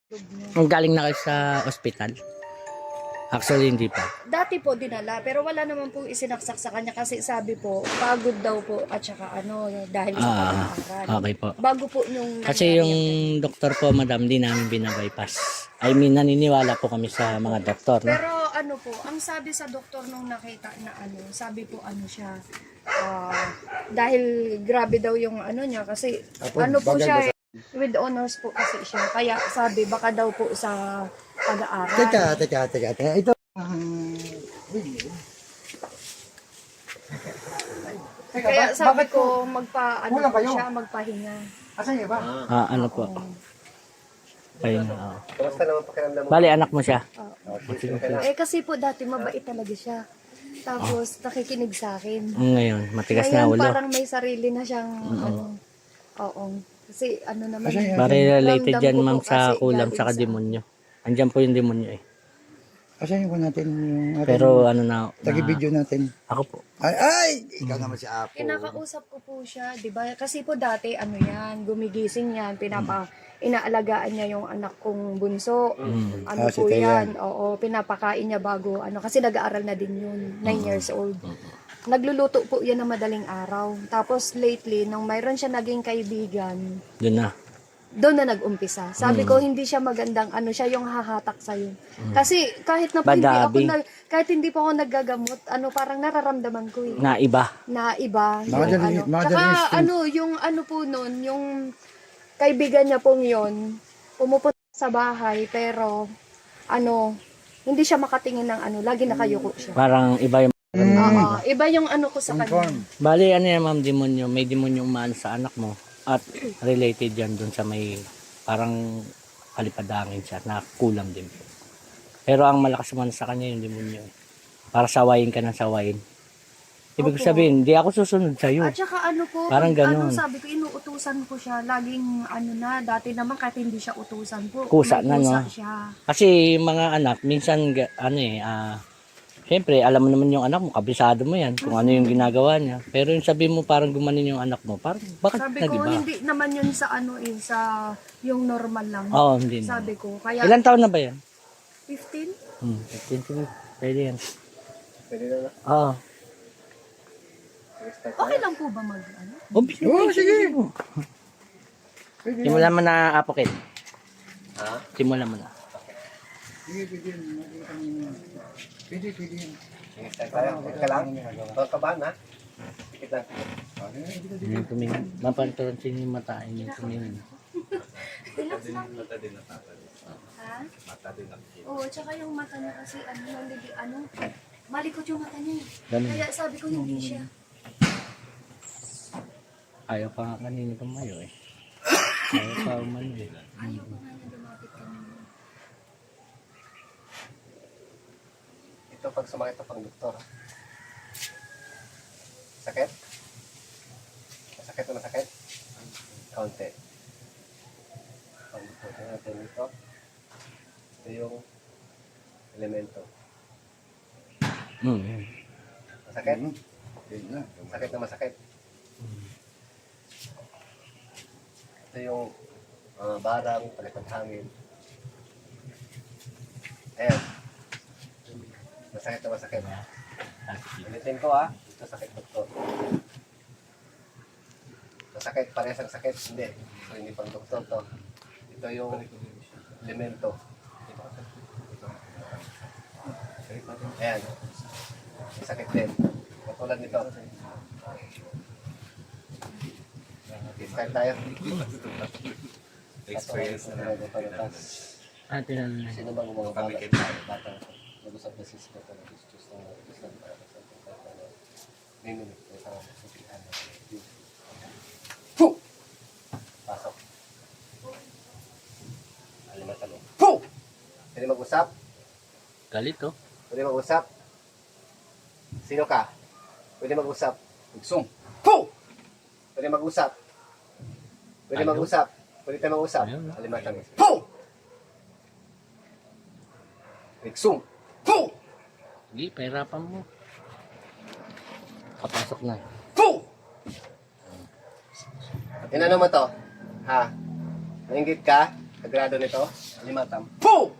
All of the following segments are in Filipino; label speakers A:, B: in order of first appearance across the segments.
A: Ang galing na kayo sa ospital? Actually, hindi pa.
B: Dati po dinala, pero wala naman po isinaksak sa kanya kasi sabi po, pagod daw po at saka dahil sa pag-aaral.
A: Okay po.
B: Bago po nung
A: Kasi yung doktor po, madam, di namin binabypass. I mean, naniniwala po kami sa mga doktor. No?
B: Pero po, ang sabi sa doktor nung nakita na sabi po siya, dahil grabe daw yung niya kasi po siya with honors po kasi siya. Kaya sabi baka daw po sa pag-aaral.
C: Teka. Ito.
B: Kaya sabi
C: bakit
B: ko siya magpahinga.
C: Asan niya ba?
A: Ano po? Ayun na.
D: Kamusta naman pakiramdam mo?
A: Bali, anak mo siya.
B: Kasi po dati mabait talaga siya. Tapos nakikinig sa akin.
A: Ngayon, matigas na
B: Ngayon
A: ulo.
B: parang may sarili na siyang oo. Kasi naman.
A: Bari related
B: ramdam
A: yan,
B: ko po
A: ma'am, sa
B: kasi
A: kulam
B: galing
A: saka
B: sa-
A: demonyo. Andyan po yung demonyo eh.
C: Asan yung natin yung ating
A: Pero ano na,
C: tagi-video natin?
A: ako po.
C: Ay! Ikaw naman si Apo.
B: Kinakausap ko po siya, 'di ba? Kasi po dati yan, gumigising yan, inaalagaan niya yung anak kong bunso.
C: Si
B: Po
C: Thea.
B: yan. Oo, pinapakain niya bago kasi nag-aaral na din yun, 9 years old. Nagluluto po yan ng madaling araw. Tapos lately, nung mayroon siya naging kaibigan,
A: Doon na.
B: doon na nag-umpisa. Sabi ko, hindi siya magandang siya yung hahatak sa'yo. Kasi kahit na po
A: Badabing.
B: kahit hindi pa ako naggagamot, parang nararamdaman ko eh.
A: Na iba.
B: Na iba.
C: Mother-
B: Yung
C: mother
B: Tsaka
C: instinct.
B: yung po nun, yung kaibigan niya pong yun, pumupunta sa bahay, pero hindi siya makatingin ng lagi nakayuko siya.
A: Parang iba yung...
B: Oo, iba yung ko sa kanya.
A: Bali, ano yan, ma'am, demonyo. May demonyo umaan sa anak mo. At related yan dun sa may parang kalipadangin siya na kulam din po. Pero ang malakas naman sa kanya yung demonyo eh. Para sawayin ka ng sawayin. Ibig
B: Opo.
A: sabihin, di ako susunod sa'yo.
B: At saka po,
A: Parang ganun.
B: sabi ko, inuutusan ko siya. Laging dati naman kahit hindi siya utusan po.
A: Kusa
B: may
A: na, no?
B: siya.
A: Kasi mga anak, minsan, siyempre, alam mo naman yung anak mo, kabisado mo yan, kung ano yung ginagawa niya. Pero yung sabi mo, parang gumanin yung anak mo, parang, bakit
B: Sabi ko,
A: nag-iba?
B: hindi naman yun sa sa yung normal lang.
A: Oo, hindi na.
B: Sabi ko, kaya
A: Ilan taon na ba yan?
B: 15?
A: 15, sige. Pwede yan.
D: Pwede na na.
A: Oo.
B: Okay lang po ba
C: Sige.
A: Simulan mo na, Apokit.
D: Ha?
A: Simulan mo na.
C: Pwede yan.
D: Sige, start tayo. Teka lang. Huwag kabahan ha. Pikit lang.
A: Yung tumingin. Mapanturansin yung mata. Yung tumingin.
B: Relax lang. Ha? Oo, tsaka yung mata niya kasi malikot yung mata niya.
A: Ganun.
B: Kaya sabi ko hindi siya.
A: Ayaw pa nga kanina tumayo eh. Ayaw pa umano eh.
B: Ayaw pa nga niya lumapit kanina.
D: Ito pag sumakit na pang doktor. Sakit? Masakit o masakit? Kaunti. Pang doktor natin ito. Ito yung elemento. Masakit? Masakit na masakit. Ito yung barang, palipad hangin. Ayan. Masakit na masakit. Pilitin ko ito sakit doktor. Masakit, parehas ang sakit. Hindi. So, hindi pang doktor to. Ito yung elemento. Ayan. Masakit din. Katulad nito. Start tayo. Experience na
A: Tinanong na.
D: Sino bang mga bata? Nag-usap na sis ko na gusto na may minute na sa sabihan. Pasok. Alimatan mo. Pwede mag-usap?
A: Galit oh.
D: Pwede mag-usap? Sino ka? Pwede mag-usap?
C: Magsong.
D: Pwede mag-usap? Pwede
A: Ayaw.
D: mag-usap? Pwede tayo mag-usap?
A: Ayaw na.
D: Alimatan mo. Riksum.
A: Sige, pahirapan mo. Kapasok na.
D: Inano mo to? Ha? Nainggit ka? Kagrado nito, alimatam. Po!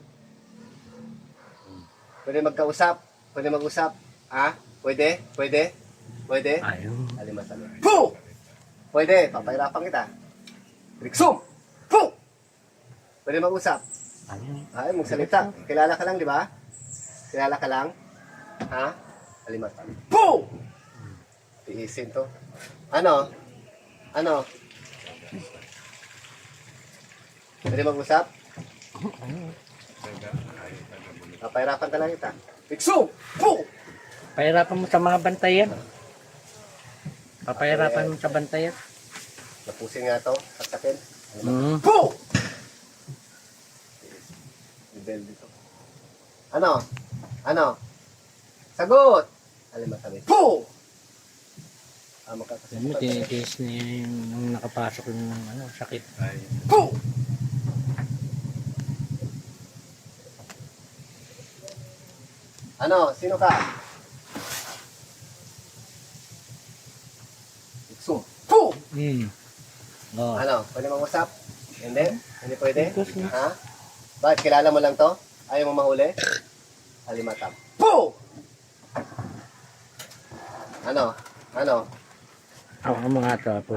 D: Pwede magkausap, pwede mag-usap. Ha? Pwede? Pwede? Pwede?
A: Ayun.
D: Alimatam. Po! Pwede, papahirapan kita. Riksum! Po! Pwede mag-usap.
A: Ayun.
D: Ay, magsalita. Kilala ka lang, di ba? Kilala ka lang? Ha? Alimatam. Po! Tiisin to. Ano? Ano? Pwede mag-usap? Papahirapan ka lang kita. Riksum! Po!
A: Pahirapan mo sa mga bantayan. Papahirapan mo sa bantayan.
D: Napusin nga to, saksakin.
A: Po!
D: Ibel dito. Ano? Ano? Sagot! Alimatami. Po!
A: Alam mo,
D: Makakasipat.
A: tinitiis niya yung nung nakapasok yung ano, sakit.
D: Po! Ano? Sino ka? Iksum. Po!
A: Oh.
D: Ano? Pwede mag-usap? Hindi? Hindi pwede? Ha? Bakit? Kilala mo lang to? Ayaw mo mahuli? Alimatam. Po! Ano? Ano?
A: Ako mga to po.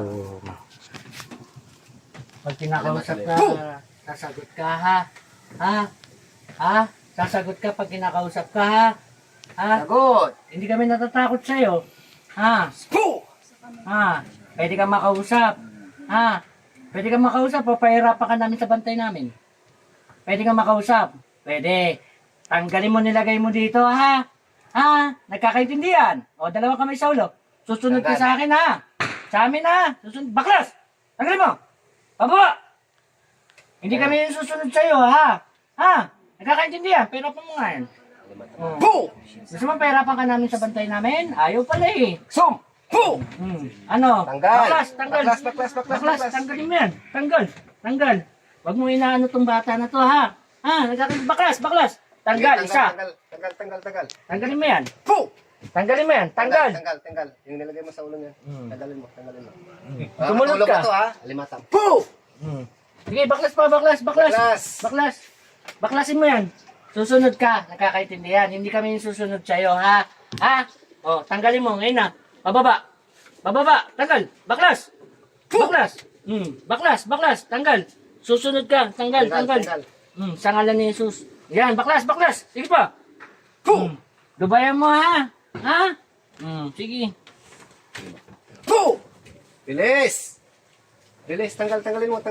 A: Pag kinakausap ka, sasagot ka ha? Ha? Ha? Sasagot ka pag kinakausap ka ha? Ha?
D: Sagot!
A: Hindi kami natatakot sa'yo. Ha?
D: Po!
A: Ha? Pwede ka makausap. Ha? Pwede ka makausap o pahirapan ka namin sa bantay namin. Pwede ka makausap. Pwede. Tanggalin mo, nilagay mo dito ha? Ha? Nagkakaintindihan? O, dalawang kamay sa ulo. Susunod ka sa akin ha? Sa amin ha? Susunod. Baklas! Tanggalin mo! Pababa! Hindi kami yung susunod sa'yo ha? Ha? Nagkakaintindihan? Pahirapan mo nga yan.
D: Po!
A: Gusto mo pahirapan ka namin sa bantay namin? Ayaw pala eh.
D: Sum! Po!
A: Ano?
D: Tanggal!
A: Baklas, tanggal. Baklas, tanggalin mo yan. Tanggal, tanggal. Huwag mo inaano tong bata na to ha. Ha? Baklas, baklas. Tanggal, isa.
D: Tanggal.
A: Tanggalin mo yan.
D: Po!
A: Tanggalin mo yan. Tanggal.
D: Tanggal. Yung nilagay mo sa ulo niya. Tanggalin mo.
A: Sumunod
D: Matulog
A: ka.
D: to ha? Alimatam. Po!
A: Sige, baklas pa, baklas.
D: Baklas.
A: Baklasin mo yan. Susunod ka. Nakakaintindihan. Hindi kami yung susunod sa'yo ha. Ha? O, tanggalin mo. Ngayon na. Bababa. Tanggal. Baklas. Baklas. Tanggal. Susunod ka. Tanggal. Sa ngalan ni Jesus. Yan, baklas. Sige pa.
D: Po!
A: Dubayan mo ha. Ha? Sige.
D: Po! Bilis! Tanggalin mo.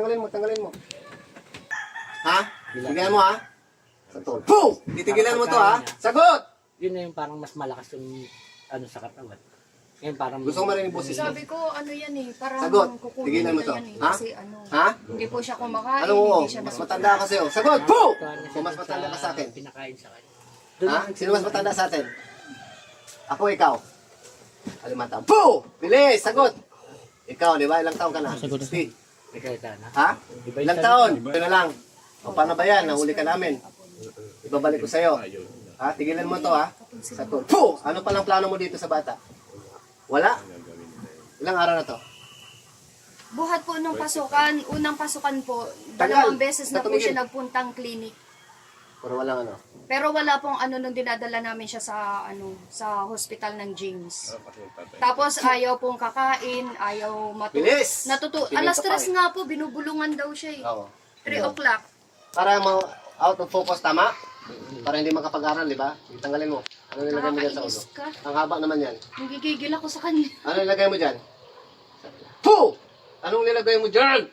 D: Ha? Tigilan mo ha? Sagot. Po! Titigilan mo to ha? Sagot!
A: Yun na yung parang mas malakas yung ano sa katawan. Ngayon parang
D: Gusto ko marinig boses mo.
B: Sabi ko, ano yan eh, parang
D: Sagot.
B: kukunin
D: Tigilan mo
B: na
D: to.
B: yan eh.
D: Ha?
B: Kasi ano,
D: Ha?
B: hindi po siya kumakain,
D: Ano mo?
B: hindi siya
D: Mas
B: nasusunod.
D: matanda ka sa'yo. Sagot! Po! Kung mas matanda ka sa akin.
A: Pinakain sa kanya.
D: Ha? Sino mas matanda sa atin? Ako, ikaw. Alimantam. Po! Bilis! Sagot! Ikaw, di ba? Ilang taon ka na?
A: Sagot na.
D: Speed.
A: Ikaw na.
D: Ha? Ilang taon? Ito na lang. O paano ba yan? Nahuli ka namin. Ibabalik ko sa'yo. Ha? Tigilan mo to ha? Sagot. Po! Ano palang plano mo dito sa bata? Wala? Ilang araw na to?
B: Buhat po nung pasukan, unang pasukan po,
D: Tagal.
B: 2 beses na po
D: Tumigil.
B: siya nagpuntang clinic.
D: Pero walang ano.
B: Pero wala pong ano nung dinadala namin siya sa sa hospital ng James. Tapos ayaw pong kakain, ayaw
D: Bilis! Tingin
B: Alas
D: ka pa
B: 3 nga po, binubulungan daw siya eh.
D: Oo.
B: 3 o'clock.
D: Para out of focus, tama? Para hindi makapag-aral, di ba? Tanggalin mo. Ano nilagay mo dyan sa ulo?
B: Nakakainis ka.
D: Ang haba naman yan.
B: Nagigigil ako sa kanya.
D: Ano nilagay mo dyan? Po! Anong nilagay mo dyan?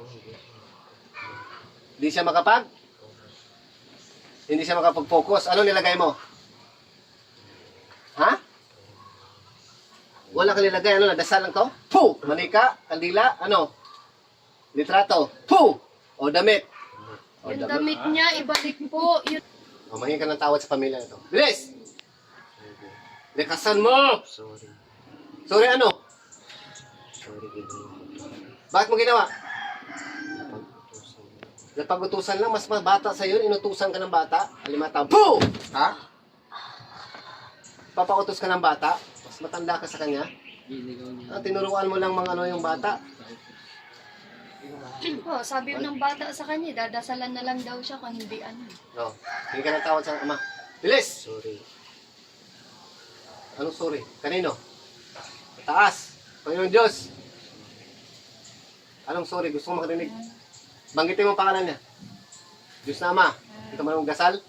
D: Hindi siya Hindi siya makapag-focus. Ano nilagay mo? Ha? Wala ka nilagay. Ano, nadasal lang to? Po! Manika, kandila, ano? Litrato. Po! O damit. O
B: Yung damit niya, ibalik po. Yun.
D: O, mangin ka ng tawad sa pamilya na to. Bilis! Likasan mo! Sorry ano? Bakit mo ginawa? Napag-utusan lang, mas bata sa'yo, inutusan ka ng bata. Alimatang, po! Ha? Papautos ka ng bata, mas matanda ka sa kanya. Tinuruan mo lang mga ano yung bata.
B: Oh, sabi ng bata sa kanya, dadasalan na lang daw siya kung hindi ano.
D: No. Hindi ka ng tawad sa ama. Bilis! Sorry. Anong sorry? Kanino? Taas. Panginoon Diyos. Anong sorry? Gusto ko makarinig. Banggitin mo ang pangalan niya. Diyos na Ama. Ito man ang dasal.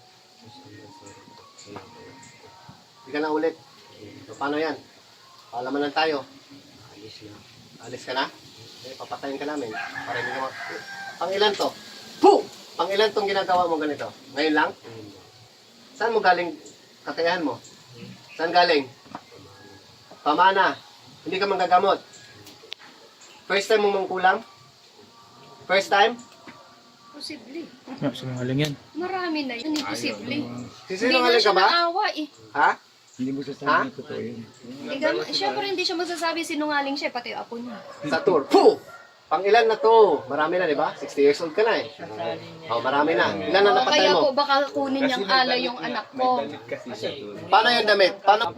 D: Hindi ka na ulit. So, paano yan? Paalaman lang tayo. Alis ka na? Eh, papatayin ka namin. Para hindi ka Pangilan to? Puh! Pangilan tong ginagawa mo ganito? Ngayon lang? Saan mo galing kakayahan mo? Saan galing? Pamana. Hindi ka manggagamot. First time mo mangkulam? First time?
B: Posible.
E: Sinungaling yan.
B: Marami na yun, imposible.
D: Sisinungaling ka ba?
B: Naawa eh.
D: Ha?
C: Hindi mo
D: Ha?
C: sasabihin ko totoo yun.
B: Siyempre hindi siya masasabi sinungaling siya, pati yung apo niya.
D: Sa tour. Puh! Pang-ilan na to? Marami na, di ba? 60 years old ka na eh. Oh, marami na. Ilan na napatay
B: Kaya
D: mo?
B: po baka kunin niyang alay yung anak ko.
D: Paano yung damit? Paano?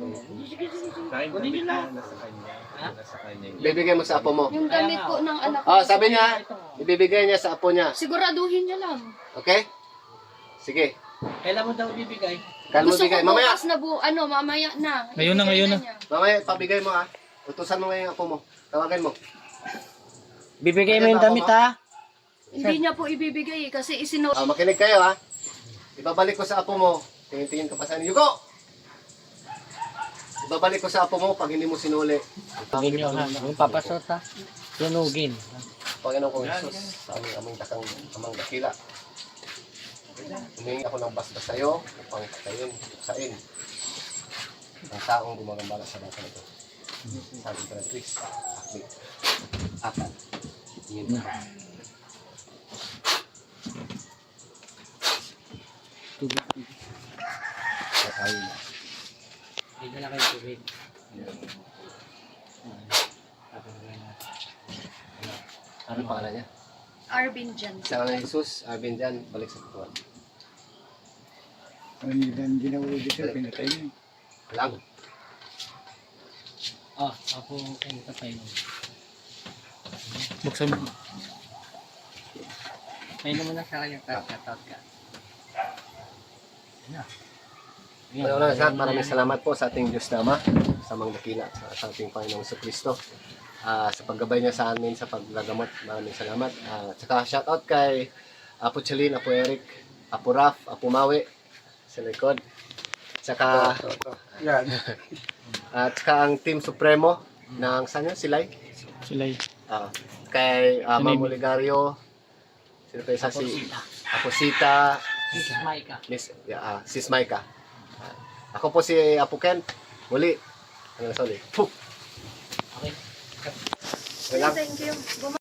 D: Bibigay mo sa apo mo.
B: Yung damit po ng anak ko.
D: Oh, sabi niya, ibibigay niya sa apo niya.
B: Siguraduhin niya lang.
D: Okay? Sige.
A: Kailan mo daw bibigay?
D: Kalmo
B: Gusto ko
D: bigay. Mamaya,
B: bukas na mamaya na.
E: Ngayon na, ngayon na.
B: niya.
D: mamaya, pabigay mo ha. Utusan mo ngayon yung apo mo. Tawagan mo.
A: Bibigay mo yung damit ha?
B: Hindi niya po ibibigay eh, kasi
D: Ah, makinig kayo ha. Ibabalik ko sa apo mo. Tingin-tingin ka pa sa Yuko! Ibabalik ko sa apo mo pag hindi mo sinuli.
A: Tugin nyo ha. Yung papasot ha. Tunugin.
D: Panginoon kong Jesus, sa aming amang dakila. Humingi ako ng basbas sa iyo upang sain ang taong gumagambala sa bata nito. Sabi ko na, please, akli. Apat. Yun na.
A: Hindi na kayo tubig.
D: Ano pangalan niya?
B: Arvin dyan.
D: Sa ngalan ni Jesus, Arvin dyan, balik sa kutuan.
C: Ang hindi na ulit siya, pinatay niya.
D: Lang.
A: Oh, ako kayo patay mo.
E: Buksan mo.
A: May naman na sa kanya. Shoutout ka.
D: Una sa lahat, maraming salamat po sa ating Diyos na Ama, sa mga dakila, sa ating Panginoong Kristo. Sa paggabay niya sa amin sa paggagamot, maraming salamat. At saka shoutout kay Apo Chalin, Apo Eric, Apo Raf, Apo Mawi, sa likod. Saka,
C: Yan.
D: at saka ang Team Supremo ng saan yun? Silay?
E: Sila'y.
D: Kay Ma'am Oligario, sino pa isa si Apo Sita,
A: Sis Maika.
D: Sis Maika. Ako po si Apo Ken. Muli. Hanggang sa uli. Puh!
A: Okay.
D: Okay lang.
B: Thank you.